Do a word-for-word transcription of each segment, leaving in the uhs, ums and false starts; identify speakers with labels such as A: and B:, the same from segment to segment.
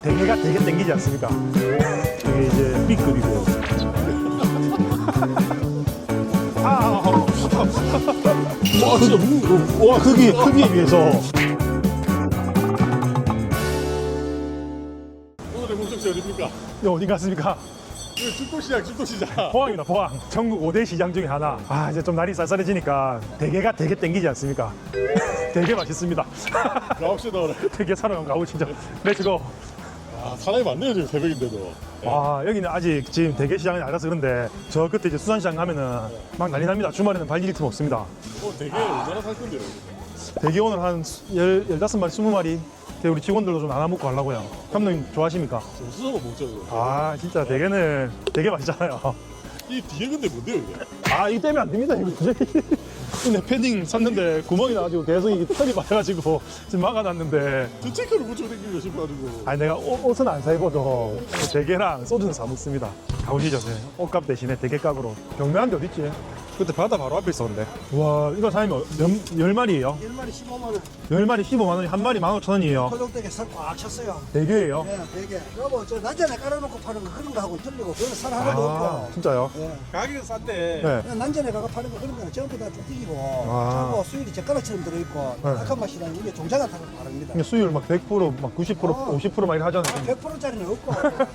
A: 대게가 되게 땡기지 않습니까? 이게 이제 B급이고. 아, 와, 진짜 무, 와, 크기, 크기에 비해서.
B: 오늘의 목적지 어디입니까?
A: 이 어디 갔습니까?
B: 이거 죽도시장, 죽도시장.
A: 포항입니다, 포항. 전국 오 대 시장 중에 하나. 아, 이제 좀 날이 쌀쌀해지니까 대게가 되게 땡기지 않습니까? 되게 맛있습니다.
B: 나옵시다, 오늘.
A: 되게 사러 가고 진짜. 렛츠고.
B: 아, 사람이 많네요, 지금 새벽인데도.
A: 와, 여기는 아직 지금 대게 시장이 알아서 그런데 저 끝에 이제 수산시장 가면은 막 난리 납니다. 주말에는 발길이 틈 없습니다.
B: 어, 되게 얼마나 살 건데요?
A: 대게 오늘 한 열, 열다섯 마리, 스무 마리. 우리 직원들도 좀 나눠 먹고 하려고요. 감독님 좋아하십니까?
B: 점수서가 먹죠, 이거.
A: 아, 진짜 대게는 되게 맛있잖아요.
B: 이 뒤에 근데 뭔데요, 이게?
A: 아, 이거 떼면 안 됩니다. 이거 근데 패딩 샀는데 구멍이 나가지고 계속 이게 털이 맞아가지고 지금 막아놨는데.
B: 저 체크를 붙이고 댕기고 싶어가지고.
A: 아니, 내가 옷, 옷은 안 사입어도 대게랑 소주는 사 먹습니다. 가보시죠. 네. 옷값 대신에 대게값으로. 경매한 데 어딨지? 그때 바다 바로 앞에 있었는데. 와, 이거 사장님 몇, 열 마리예요?
C: 열 마리 십오만 원.
A: 열 마리 십오만 원이 한 마리 만 오천 원이에요.
C: 토종대게 살꽉 찼어요.
A: 대게예요?
C: 네, 되게. 여보, 저 난전에 깔아놓고 파는 거 그런 거 하고 틀리고 그건 살 하나도
A: 아,
C: 없고.
A: 진짜요?
C: 예.
B: 가격은 싼데.
A: 네.
C: 그냥 난전에 가서 파는 거 그런 거는 전부 다 쭈띠기고
A: 아.
C: 하고 수율이 젓가락처럼 들어있고
A: 네.
C: 약한 맛이랑 이게 종자가 다 다릅니다.
A: 이게 수율 막 백 퍼센트, 막 구십 퍼센트,
C: 아.
A: 오십 퍼센트 막 이렇게 하잖아요.
C: 백 퍼센트짜리는 없고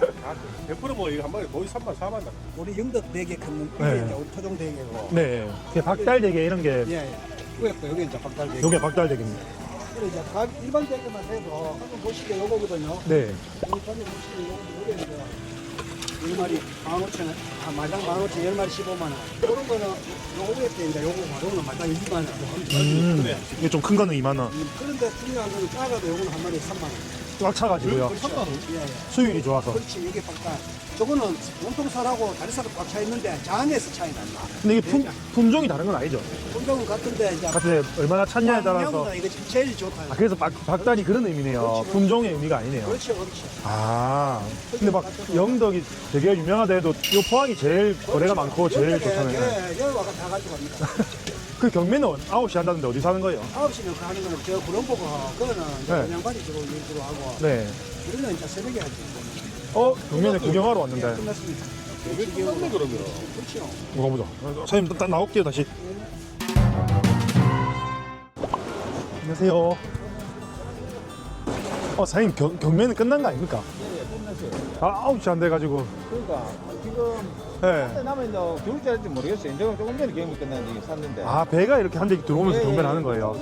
B: 백 퍼센트 뭐, 이거 한 마리 거의 삼만, 사만 나.
C: 우리 영덕 대게 큰 이게
A: 네.
C: 이제 우리 토종대게고.
A: 네. 이게 박달대게 이런 게
C: 예, 예. 위에 거 여기 이제 박달대게.
A: 요게 박달대게입니다.
C: 그리고 이제 각 일반 대게만 해도 한번 보시게 요거거든요.
A: 네.
C: 여기 전에 보시면 요거 요게 이제 열 마리 만 오천 원, 아, 마당 만 오천, 열 마리 십오만 원. 이런 거는 요거 위에 때 이제 요거 요거는 마당 이만 원.
A: 음, 이게 좀 큰 거는 이만 원.
C: 음, 그런데 중요한 거는 작아도 요거는 한 마리에 삼만 원.
A: 꽉 차가지고요.
B: 삼만 원?
C: 예, 예.
A: 수율이 좋아서.
C: 그렇지, 이게 박달. 저거는 몸통살하고 다리살은 꽉 차 있는데 장에서 차이 난다.
A: 근데 이게 품, 품종이 다른 건 아니죠?
C: 품종은 같은데 이제
A: 같은데 얼마나 찼냐에 따라서.
C: 양은 이게 제일 좋다.
A: 아, 그래서 박, 박달이 그런 의미네요.
C: 그렇지,
A: 품종의 의미가 아니네요.
C: 그렇지, 그렇지.
A: 아, 근데 막 영덕이 되게 유명하대도 요 포항이 제일 거래가 많고 제일 좋잖아요.
C: 예, 여기 와가 다 가지고 갑니다.
A: 그 경매는 아홉 시 한다는데 어디서 하는 거예요?
C: 아홉 시면 그 하는 거는 저 구름보고 그거는
A: 네.
C: 그냥 바지 주로 일주로 하고
A: 네.
C: 우리는 이제 새벽에 하지.
A: 어, 경매는 구경하러 왔는데.
C: 끝났습니다.
B: 왜 끝났네, 그러면?
C: 그렇죠.
A: 이거 보자. 사장님, 나, 나올게요, 다시. 안녕하세요. 어, 사장님, 경, 경매는 끝난 거 아닙니까?
D: 네, 끝났어요.
A: 아, 아홉 시 안 돼가지고.
D: 그러니까 지금
A: 네.
D: 남은 이제 교육자일지 모르겠어요. 이제 조금 전에 경매 끝났는데 샀는데.
A: 아, 배가 이렇게 한 대 들어오면서
D: 예,
A: 경매를
D: 예.
A: 하는 거예요.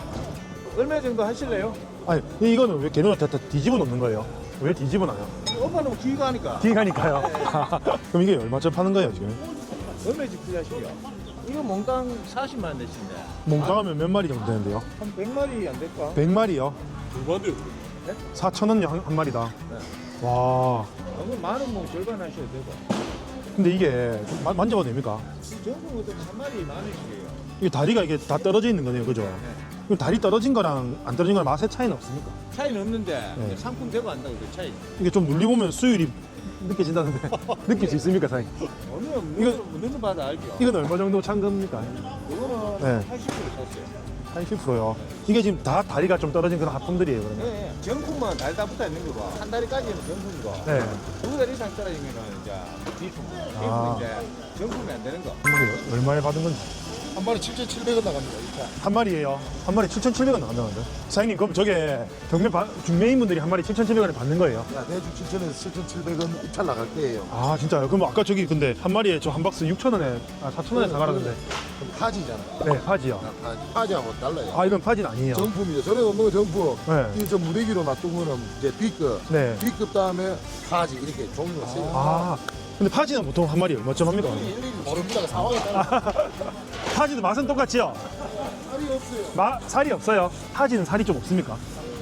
D: 얼마 정도 하실래요?
A: 아니, 이거는 왜 걔는 다, 다 뒤집어 놓는 거예요? 왜 뒤집어 놔요?
D: 엄마는 뒤가 하니까.
A: 뒤에 가니까요. 그럼 이게 얼마쯤 파는 거예요, 지금?
D: 얼마씩 투자하시려? 이거 몽땅 사십만 원 대신데
A: 몽땅하면 몇 마리 정도 되는데요?
D: 한 백 마리 안 될까?
A: 백 마리요?
B: 얼마인데요?
A: 사천 원 한, 한 마리다.
D: 네.
A: 와.
D: 그럼 만원 뭐 절반 하셔도 되고.
A: 근데 이게 마- 만져봐도 됩니까?
D: 전국 어떤 한 마리 만 원씩이에요.
A: 이 다리가 이게 다 떨어져 있는 거네요, 그죠? 그럼 다리 떨어진 거랑 안 떨어진 거랑 맛의 차이는 없습니까?
D: 차이는 없는데
A: 네.
D: 상품 되고 한다고 그 차이.
A: 이게 좀 눌리보면 수율이 느껴진다는데 느낄 수 있습니까, 사장님?
D: 어느
A: 이거-
D: 눈을 봐도 알죠.
A: 이건 얼마 정도 찬 겁니까?
D: 이거는
A: 네.
D: 팔십 프로 샀어요.
A: 팔십 퍼센트요. 이게 지금 다 다리가 좀 떨어진 그런 하품들이에요, 그러면?
D: 네, 정품은 다리 다 붙어 있는 거고 한 다리까지는 정품이고.
A: 네.
D: 두 달 이상 떨어지면은 이제 비품. 비품
A: 아.
D: 이제 정품이 안 되는 거.
A: 한 마리 얼마에 받은 건지.
B: 한 마리 칠천칠백 원 나갑니다, 진짜.
A: 한 마리예요. 한 마리 칠천칠백 원 나간다는데. 사장님, 그럼 저게 경매 바, 중매인분들이 한 마리 칠천칠백 원에 받는 거예요?
E: 야, 내주 칠천에서 칠천칠백 원 입찰 나갈 거예요.
A: 아, 진짜요? 그럼 아까 저기 근데 한 마리에 저 한 박스 육천 원에, 아, 사천 원에 사가라는데.
E: 그럼 파지잖아.
A: 네, 파지요.
E: 야, 파지. 파지하고 달라요.
A: 아, 이건 파지는 아니에요.
E: 정품이죠. 전에 없는 거 정품.
A: 네.
E: 이저 무대기로 놔둔 거는 이제 B급.
A: 네.
E: B급 다음에 파지 이렇게 종류가 세요.
A: 아, 근데 파지는 보통 한 마리 얼마쯤 합니까?
E: 일일이 모릅니다. 상황에 따라
A: 파지도 맛은 똑같지요?
E: 살이 없어요.
A: 마, 살이 없어요. 파지는 살이 좀 없습니까?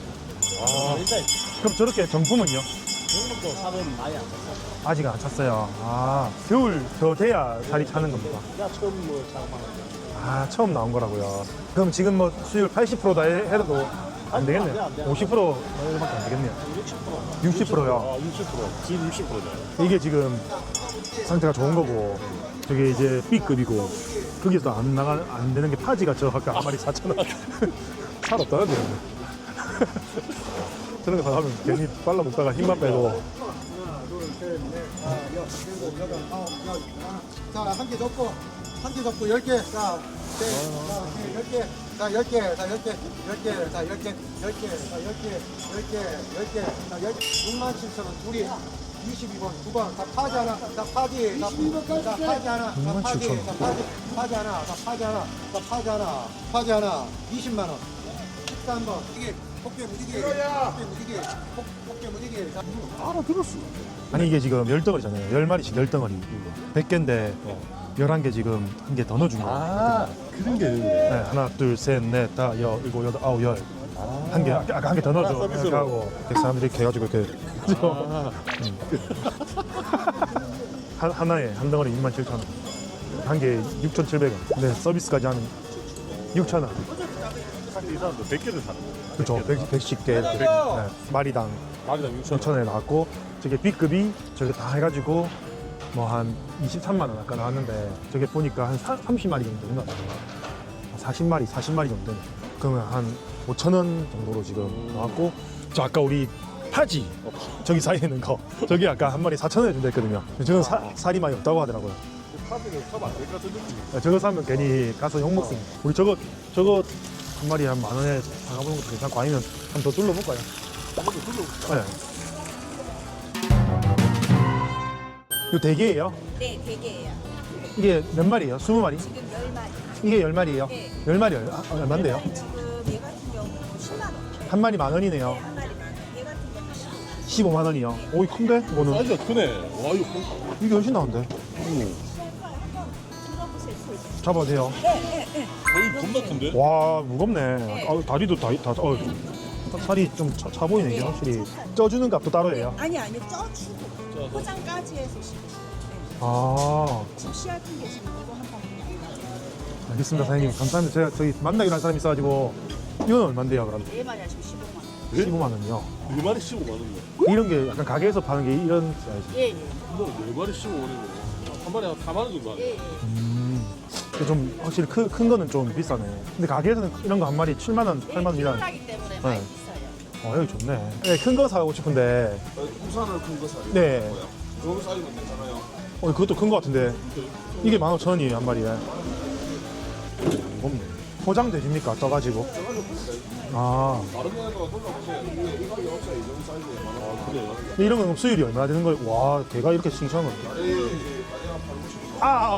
E: 아,
A: 그럼 저렇게 정품은요?
C: 이것도 사면 많이 안 샀어.
A: 아직 안 찼어요. 아, 겨울 더 돼야 살이 차는 겁니다.
C: 야, 처음 뭐 장만.
A: 아, 처음 나온 거라고요. 그럼 지금 뭐 수율 팔십 퍼센트다 해도 안 되겠네요. 오십 퍼센트밖에 안 되겠네요. 육십 퍼센트요.
B: 아, 육십 퍼센트. 지금 육십 퍼센트네.
A: 이게 지금 상태가 좋은 거고, 저게 이제 B급이고, 거기서 안 나가 안 되는 게 파지가 저 아까 한 마리 사천 원. 살 없다는데. 저런 거 사가면 괜히 빨라 먹다가 힘만 빼고.
C: 하나, 둘, 셋, 넷, 다, 여섯, 일곱, 여덟, 아홉, 열. 자, 한 개 접고, 한 개 접고, 열 개. 자, 셋, 자, 열 개. 자, 열 개. 자, 열 개. 열 개. 자, 열 개. 열 개. 자, 열 개. 열 개. 열 개. 자, 열 개. 육만 칠천 원. 둘이. 이십이 번, 두 번. 자, 파지 하나. 자, 파지. 자, 자, 파지 하나. 자, 파지. 자, 파지. 파지 하나. 자, 파지 하나. 자, 파지 하나. 파지 하나. 이십만 원. 십삼 번. 이게 폭개 무지개. 폭개 무지개. 폭, 폭개 무지개. 자,
B: 알아들었어.
A: 아니 이게 지금 열 덩어리잖아요. 열 마리씩 열 덩어리. 백 개인데 열한 개 지금 한 개 더 넣어준 거예요.
B: 아, 그런 게 있네.
A: 네, 하나, 둘, 셋, 넷, 다, 여, 일곱, 여덟, 아홉, 열. 한 개, 아까 한 개 더 넣어줘.
B: 아, 서비스로.
A: 이렇게 하고 이렇게 사람들이 이렇게 해가지고 이렇게
B: 아,
A: 한, 하나에 한 덩어리 이만 칠천 원. 한 개에 육천칠백 원. 근데 서비스까지 하면 육천 원.
B: 사실 이 사람도 백 개를 사는 거야.
A: 그렇죠. 백십 개 이렇게. 네, 마리당
B: 마리당 육천 원.
A: 육천 원에 나왔고 저게 B급이 저게 다 해가지고 뭐 한 이십삼만 원 아까 나왔는데 저게 보니까 한 삼십 마리 정도 된것 같아요. 사십 마리, 사십 마리 정도. 그러면 한 오천 원 정도로 지금 나왔고 저 아까 우리 파지 저기 사이에 있는 거 저기 아까 한 마리 사천 원에 준다 했거든요. 저는 사, 살이 많이 없다고 하더라고요.
B: 카드는 사면 안 될 것 같은 느낌이.
A: 저거 사면 괜히 가서 욕 먹습니다. 우리 저거 저거 한 마리 한 만 원에 사가보는 것도 괜찮고 아니면 한 번 더 둘러볼까요? 네. 이거 대게예요?
F: 네, 대게예요.
A: 이게 몇 마리예요? 스무 마리?
F: 지금 열 마리.
A: 이게 열 마리예요?
F: 네.
A: 열 마리 얼- 아, 얼마인데요?
F: 지금 얘 같은 경우는 십만 원.
A: 한 마리 만 원이네요.
F: 네, 한 마리 만 원. 얘 같은 경우는 십만 원.
A: 십오만 원이요. 오이 큰데? 이거는
B: 사이즈가 크네. 와, 이거 큰-
A: 이게 훨씬 나은데.
F: 들어보세요, 소리.
A: 잡아도 돼요.
B: 거의 겁나 큰데?
A: 와 무겁네. 아, 다리도 다, 다 어, 살이 좀 차, 차 보이네 이게 확실히. 쪄주는 값도 따로 해요.
F: 아니, 아니, 쪄주고. 포장까지 해서 지금. 네.
A: 아
F: 지금 씨알 큰 게 지금 이거 한 방울이
A: 알겠습니다 사장님 감사합니다. 제가 저기 만나기로 한 사람이 있어가지고 이건 얼마인데요 그럼?
F: 네 마리야 지금 십오만 원.
B: 네?
A: 십오만 원이요.
B: 네 마리 십오만 원이네.
A: 이런 게 약간 가게에서 파는 게 이런 사이즈.
F: 예, 예.
B: 이거 네 마리 십오만 원이네. 한 마리 한 사만 원 정도 하네.
F: 예, 예.
A: 음. 근데 좀 확실히 큰, 큰 거는 좀 비싸네. 근데 가게에서는 이런 거 한 마리 칠만 원, 팔만 원이라.
F: 하기 때문에 많이
A: 네.
F: 비싸요.
A: 어 여기 좋네. 네, 큰 거 사고 싶은데.
E: 우산을 큰 거 사요.
A: 네.
E: 여기 사이즈는 괜찮아요.
A: 어 그것도 큰 거 같은데. 이게 만 오천 원이에요 한 마리에. 무겁네. 포장 되십니까? 떠가지고. 아.
E: 다른 데가 돌아보세요. 이게 이거 없어요. 이 정도 사이즈에 만 원.
B: 그래요.
A: 근데 이런 건 수율이 얼마나 되는 거예요? 와, 걔가 이렇게 싱싱한 거.
E: 다리 다리가 팔고 싶어.
A: 아, 아,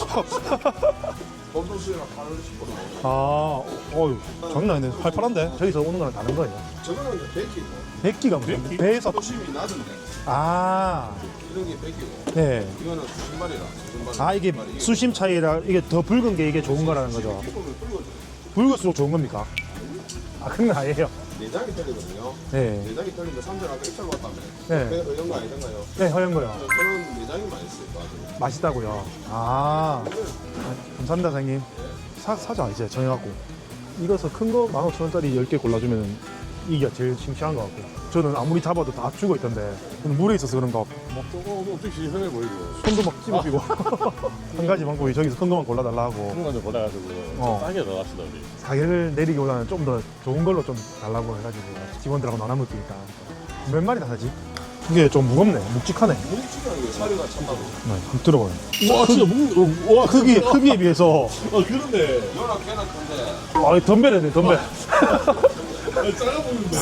A: 아,
E: 검도 수이랑 팔고 싶어.
A: 아, 어휴, 장난 아니네. 팔팔한데? 저기서 오는 거랑 다른 거예요.
E: 저거는 이제 백기고.
A: 백기가 무슨?
B: 백기?
A: 배에서.
E: 도심이 낮은데
A: 아,
E: 이런 게 백기고.
A: 네.
E: 이거는 수십 마리라. 수십 마리.
A: 아, 이게
E: 마리.
A: 수심 차이라 이게 더 붉은 게 이게 좋은 거라는 거죠.
E: 조금은 붉어져.
A: 붉을수록 좋은 겁니까? 아, 그런 거 아니에요.
E: 내장이 틀리거든요.
A: 네.
E: 내장이 틀린데 삼촌 아까 입찰 왔다며.
A: 네.
E: 네. 이런 거 아니던가요?
A: 네, 허연 거요.
E: 저는 내장이 맛있을 것 같아요.
A: 맛있다고요. 아, 아, 감사합니다, 사장님. 사, 사자, 이제 정해갖고. 이거서 큰 거 만 오천 원짜리 열 개 골라주면 이게 제일 싱싱한 것 같고. 저는 아무리 잡아도 다 죽어 있던데. 저는 물에 있어서 그런가
B: 막 저거 어떻게 시원해 보이고.
A: 손도 막 찝어지고. 한 가지 방법이 저기서 큰 거만 골라달라 하고.
B: 한좀 골라가지고
A: 어.
B: 좀 싸게 넣어갑시다 우리.
A: 가격을 내리기보다는 좀 더 좋은 걸로 좀 달라고 해가지고 직원들하고 나눠 먹으니까. 몇 마리 다 사지? 이게 좀 무겁네. 묵직하네.
E: 뭉치는 게 사리가 참다고.
A: 네, 한번 들어봐요.
B: 와 진짜 묵. 와
A: 크기, 크기에 비해서.
B: 아 그런데.
E: 연락 걔는 큰데.
A: 아, 덤벨이네, 덤벨.
B: 아, 작아 보이는데.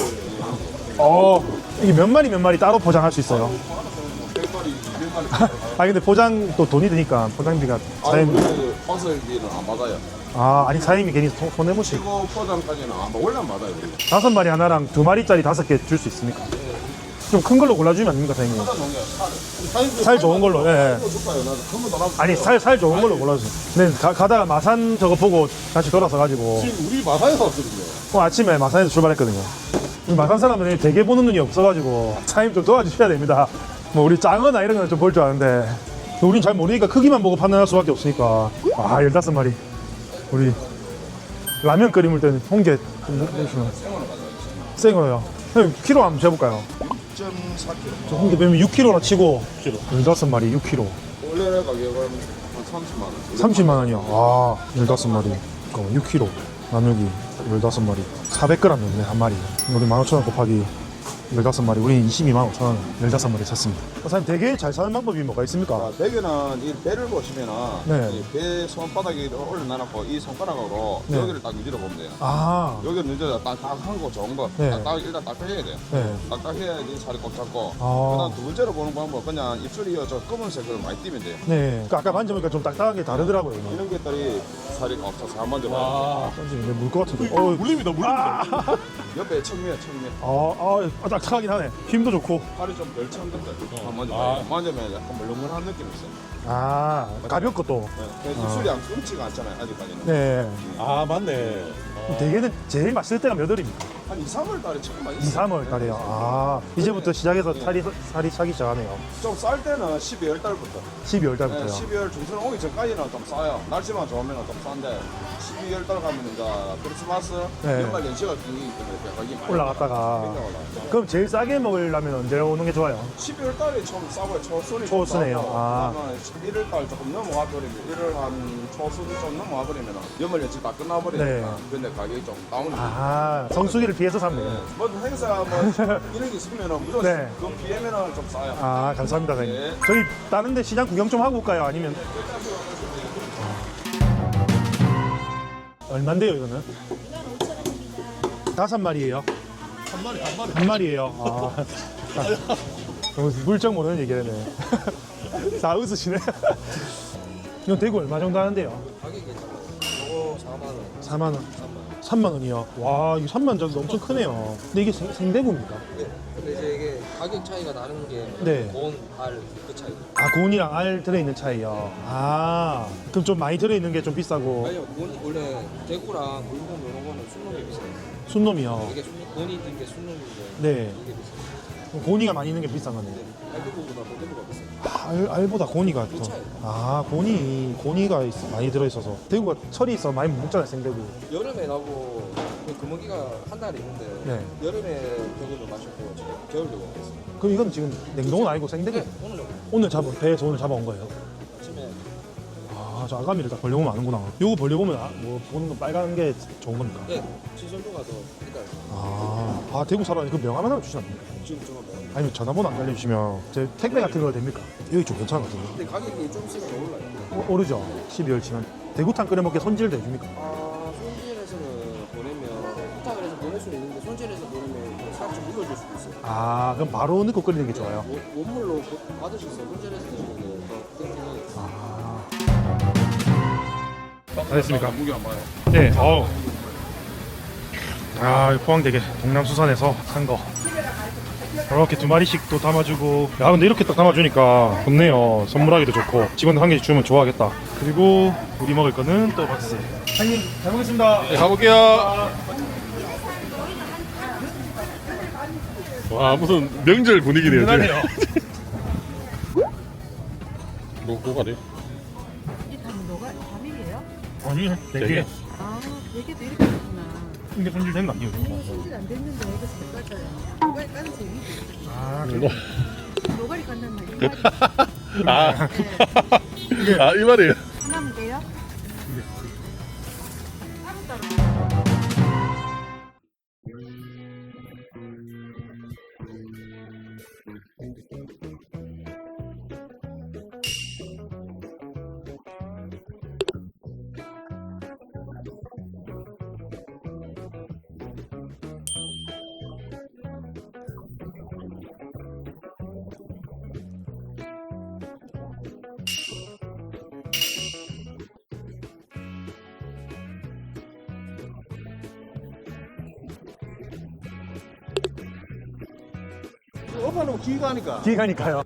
A: 어, 이게 몇 마리 몇 마리 따로 포장할 수 있어요.
E: 백 마리, 이백 마리.
A: 아 근데 포장 또 돈이 드니까 포장비가
E: 아니,
A: 사장님.
E: 그 건설비는 안 받아요.
A: 아 아니 사장님이 괜히 손- 손해보시.
E: 치고 포장까지는 안 받아. 원래 안 받아요. 우리.
A: 다섯 마리 하나랑 두 마리짜리 다섯 개 줄 수 있습니까? 좀 큰 걸로 골라주면 안 됩니까 사장님?
E: 사다 놓은 게 살.
A: 살 좋은 걸로. 예.
E: 이거 줄까요? 나도 큰거 달아.
A: 아니 살 살 좋은 걸로 골라주세요. 근데 가, 가다가 마산 저거 보고 다시 돌아서 가지고
B: 지금 우리 마사에서 왔거든요.
A: 어, 아침에 마산에서 출발했거든요. 우리 마산 사람은 되게 보는 눈이 없어가지고 사장님 좀 도와주셔야 됩니다. 뭐 우리 짱어나 이런 거는 좀 볼 줄 아는데 우린 잘 모르니까 크기만 보고 판단할 수밖에 없으니까. 아 열다섯 마리. 우리 라면 끓이물 때는 홍게 좀 넣으시면 생으로요. 형님 키로 한번 재볼까요?
E: 육 점 사 킬로그램.
A: 저 홍게 빼면 육 킬로나 치고
B: 육 킬로.
A: 열다섯 마리 육 킬로
E: 원래 가격은 한 삼십만 원.
A: 삼십만 원이요. 아 열다섯 마리 잠깐만 육 킬로 나누기 열다섯 마리 사백 그램 넣네 한 마리. 우리 만 오천 원 곱하기 열다섯 마리, 우리는 이십이만 오천 원 열다섯 마리 샀습니다. 사장님, 대게 잘 사는 방법이 뭐가 있습니까?
E: 자, 대게는 이 배를 보시면은
A: 네.
E: 이 배 손바닥에 올려놔놓고 이 손가락으로
A: 네.
E: 여기를 딱 유지를 보면 돼요.
A: 아,
E: 여기를 유지를 딱딱한 거 좋은 거
A: 네.
E: 딱딱 일단 딱딱해야 돼요.
A: 네.
E: 딱딱해야지 살이 꽉 잡고
A: 아.
E: 그다음 두 번째로 보는 방법 그냥 입술이 저 검은색을 많이 띄면 돼요.
A: 네. 그 아까 만져보니까 좀 딱딱하게 다르더라고요. 이거.
E: 이런 것들이 살이 꽉 차서 한 만져봐요.
B: 와.
A: 던지는데 물것 같은데. 어,
B: 물립니다, 물립니다.
E: 옆에 청미야 청미.
A: 아, 아, 딱딱하긴 하네. 힘도 좋고.
E: 살이 좀 덜 찬 것들 한 만져봐요.
B: 아.
E: 만져면 약간 물렁물렁한 느낌이 있어요.
A: 아, 가볍고 또.
E: 네. 그 입술이 안 끊지가 않잖아요 아직까지는.
A: 네.
B: 아, 맞네. 어.
A: 대게는 제일 맛있을 때가 몇 월입니까?
E: 한 이, 삼월 달에 처음 많이
A: 이, 삼월 달에요. 아, 이제부터 시작해서 살이, 살이 차기 시작하네요.
E: 좀쌀 때는 십이월 달부터.
A: 십이월
E: 네,
A: 달부터요.
E: 십이월 중순 오기 전까지는 좀 싸요. 날씨만 좋으면 좀 싼데 십이월 달 가면 이제 크리스마스
A: 네.
E: 연말 연시가 길기 때문에 가격이 많이
A: 올라갔다가.
E: 굉장히 올라가요.
A: 그럼 제일 싸게 먹으려면 언제 오는 게 좋아요?
E: 십이월 달이 좀 싸고요. 초순이
A: 초순이에요.
E: 좀 싸고
A: 아.
E: 그다음에 십일월 달 조금 넘어가 버리면 일월 한 초순 좀 넘어가 버리면 연말 연시 다 끝나 버리니까
A: 네.
E: 근데 가격이 좀 다운이 돼요.
A: 아, 성수기를 피해서 샀네요.
E: 네. 뭐 행사 뭐 이런 게 있으면 무조건
A: 네.
E: 그 비하면은 좀 싸요.
A: 아, 감사합니다, 사장님.
E: 네.
A: 저희 다른 데 시장 구경 좀 하고 올까요? 아니면 얼만데요, 이거는? 다섯 마리예요.
B: 한 마리, 한 마리.
A: 한 마리예요. 아. 너무 물정 모르는 얘기네. 다 웃으시네. 이건 대구 얼마 정도 하는데요?
D: 가격이 저거 사만 원.
A: 사만 원. 삼만 원이요. 와, 이거 삼만 원 정도 엄청 크네요. 근데 이게 생, 생대구입니까?
D: 네. 근데 이제 이게 가격 차이가 나는 게
A: 네.
D: 본, 알, 그 차이.
A: 아, 고온이랑 알 들어있는 차이요. 아, 그럼 좀 많이 들어있는 게 좀 비싸고.
D: 아니요, 본 원래 대구랑 물건 이런 거는 순놈이 비싸요.
A: 순놈이요.
D: 이게 순, 본이 있는 게 순놈인데
A: 네.
D: 이게 비싸요.
A: 고니가 많이 있는 게 비싼 거네요.
D: 알대구보다 대구가 비싸요.
A: 아, 알, 알보다 고니가 더.
D: 차이.
A: 아, 고니, 고니가 있- 많이 들어있어서. 대구가 철이 있어 많이 못 먹잖아요, 생대구.
D: 여름에 나고 그 금어기가 한 달 있는데
A: 네.
D: 여름에 대구를 마셨고 지금 겨울 대구 먹었어요.
A: 그럼 이건 지금 냉동은 아니고 생대구?
D: 네, 오늘 여기
A: 오늘 잡은, 배에서 오늘 잡아온 거예요?
D: 아침에
A: 아, 저 아가미를 다 벌려보면 아는구나. 요거 벌려보면 아, 뭐 보는 거 빨간 게 좋은 겁니까?
D: 네, 시설도가 더 일단
A: 아, 아 대구 사람이 그 명함 하나 주시면 안 됩니까?
D: 지금 좀 먹어요.
A: 아니면 전화번호 안 알려주시면 제 택배 같은 거 됩니까? 여기 좀 괜찮은 것 같은데.
D: 근데 가격이 좀 있으면 더 올라요.
A: 어, 오르죠? 십이월 치면. 대구탕 끓여 먹게 손질도 해줍니까?
D: 아, 손질해서는 보내면 부탁을 해서 보낼 수는 있는데 손질해서 보내면 살짝 좀 물려줄 수도 있어요.
A: 아, 그럼 바로 넣고 끓이는 게 좋아요?
D: 원- 원물로 받으셔서 손질해서 드시면 더 땡땡해요.
A: 아. 다 됐습니까?
E: 무게 안 봐요.
A: 네, 어우. 아, 포항대게 동남수산에서 산 거. 이렇게 두 마리씩 또 담아주고. 야, 근데 이렇게 딱 담아주니까 좋네요. 선물하기도 좋고. 직원들 한 개씩 주면 좋아하겠다. 그리고 우리 먹을 거는 또 박스. 사장님, 잘 먹겠습니다.
B: 네, 가볼게요. 와, 무슨 명절 분위기네요, 지금.
A: 든든하네요.
B: 뭐, 뭐가래?
F: 이게 다 뭐가 과밀이에요?
A: 아니,
B: 되게.
A: 되게.
F: 아, 되게도 이렇게 있구나.
A: 이게 손질된 거 아니에요?
F: 이거 손질 안 됐는데 이거 잘 까져요. 노가리 까는 재미지.
A: 아,
B: 뭐.
F: 노가리 깐단 말이에요.
B: 아,
F: 네.
B: 아, 이 말이에요.
F: 하나 먹게요.
E: 오빠는 기가 하니까.
A: 기가니까요.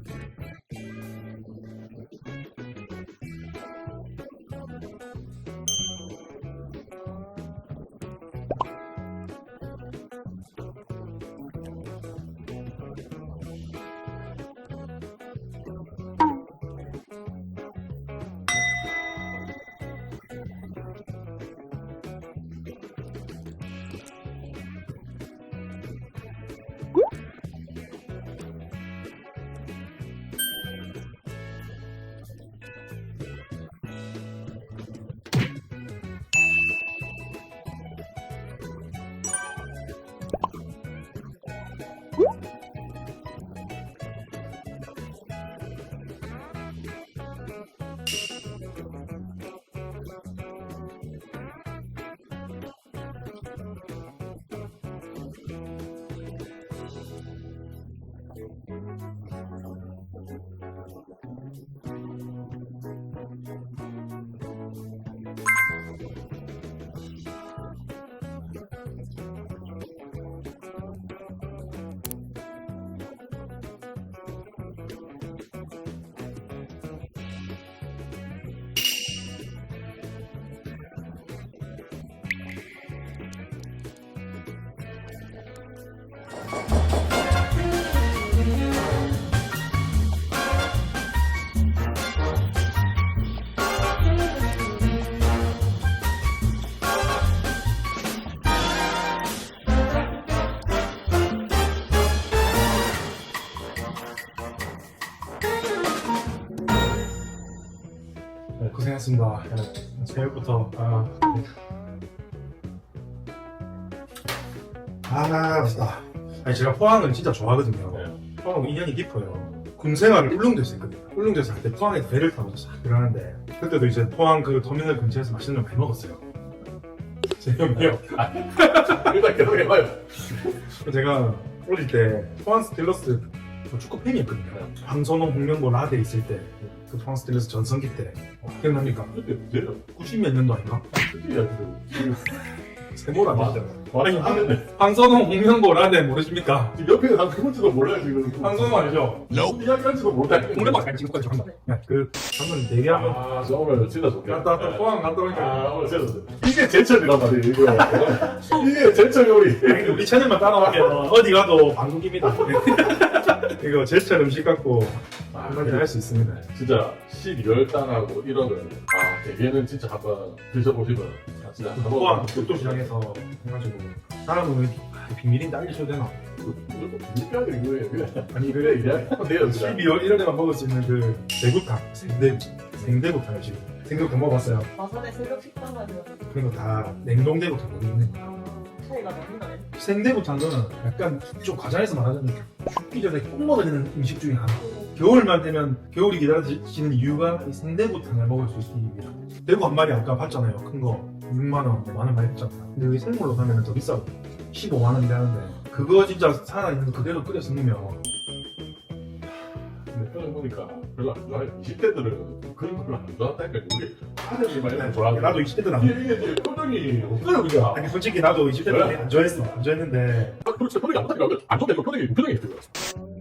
A: 네, 고생했습니다. 새해부터 아, 아 맛있다. 아니 제가 포항을 진짜 좋아하거든요. 포항은 인연이 깊어요. 군 생활을 울릉도에서 했거든요. 울릉도에서 할 때 포항에서 배를 타고 싹 들어가는데 그때도 이제 포항 그 터미널 근처에서 맛있는 걸 많이 먹었어요. 재미없네요.
B: 일단 계속 해봐요.
A: 제가 어릴 때 포항 스틸러스 그 축구 팬이었거든요. 황선홍, 홍명보, 라데 있을 때 그 포항 스틸러스 전성기 때 어, 기억납니까?
B: 그때 문제는
A: 구십 몇 년도 아닌가?
B: 그때야 지금.
A: 세모라
B: 맞아.
A: 아니
B: 하는데
A: 황선홍, 홍명보, 라데 모르십니까?
B: 지금 옆에 난 그건지도 몰라요 지금.
A: 황선홍 알죠?
B: 이야기할지도 몰라.
A: 홍명보 지금까지 한다. 그 방금 대기하면
B: 아, 저 오늘 진짜 좋겠다.
A: 갔다 왔다 포항 갔다 오니까
B: 아, 오늘 진짜 좋다. 이게 제철이란 말이에요, 이거. 이게 제철 요리.
A: 우리 채널만 따라가면 어디 가도 방송입니다. 이거 제철 음식 갖고 한마디 할 수 있습니다.
B: 진짜 십이월 달하고 일월은 아 대게는 진짜 한번 드셔보시면 진짜 한번
A: 포항 국도 시장에서 해가지고 사람은 왜 비- 비밀인데 알려줘도 되나?
B: 이렇게 이거예요. 그냥.
A: 아니
B: 그래
A: 그
B: 이야기하면 돼요. 진짜.
A: 십이월 일월에만 먹을 수 있는 그 대구탕, 생대 생대구탕을 지금 생대구탕 먹어봤어요.
F: 마산에 새벽 식당 가면
A: 그리고 다 냉동대구탕 여기 있는 거.
F: 차이가 너무 나네.
A: 생대구탕은 약간 좀 과자에서 말하는 죽기 전에 꼭 먹어야 되는 음식 중에 하나. 겨울만 되면 겨울이 기다려지는 이유가 이 생대구탕을 먹을 수 있기 위해. 대구 한 마리 아까 봤잖아요. 큰 거 육만 원, 만 원 많이 했잖아요. 근데 여기 생물로 사면 더 비싸고 십오만 원인데 하는데 그거 진짜 살아있는 거 그대로 끓여 쓰면
B: 근데 표정 보니까 별로 안 좋아해. 이십 대들은 그런 거 별로 안 좋아한다니까. 우리 아들이 많이 좋아하고.
A: 나도 이십 대 때는
B: 이게
A: 안
B: 이게 이제 표정이 없어요 그냥.
A: 아니 솔직히 나도 이십 대 때는 안 좋아했어. 안 좋아했는데
B: 아, 그렇지 표정이 안 좋다니까. 안 좋다니까 표정이 표정이 있어요.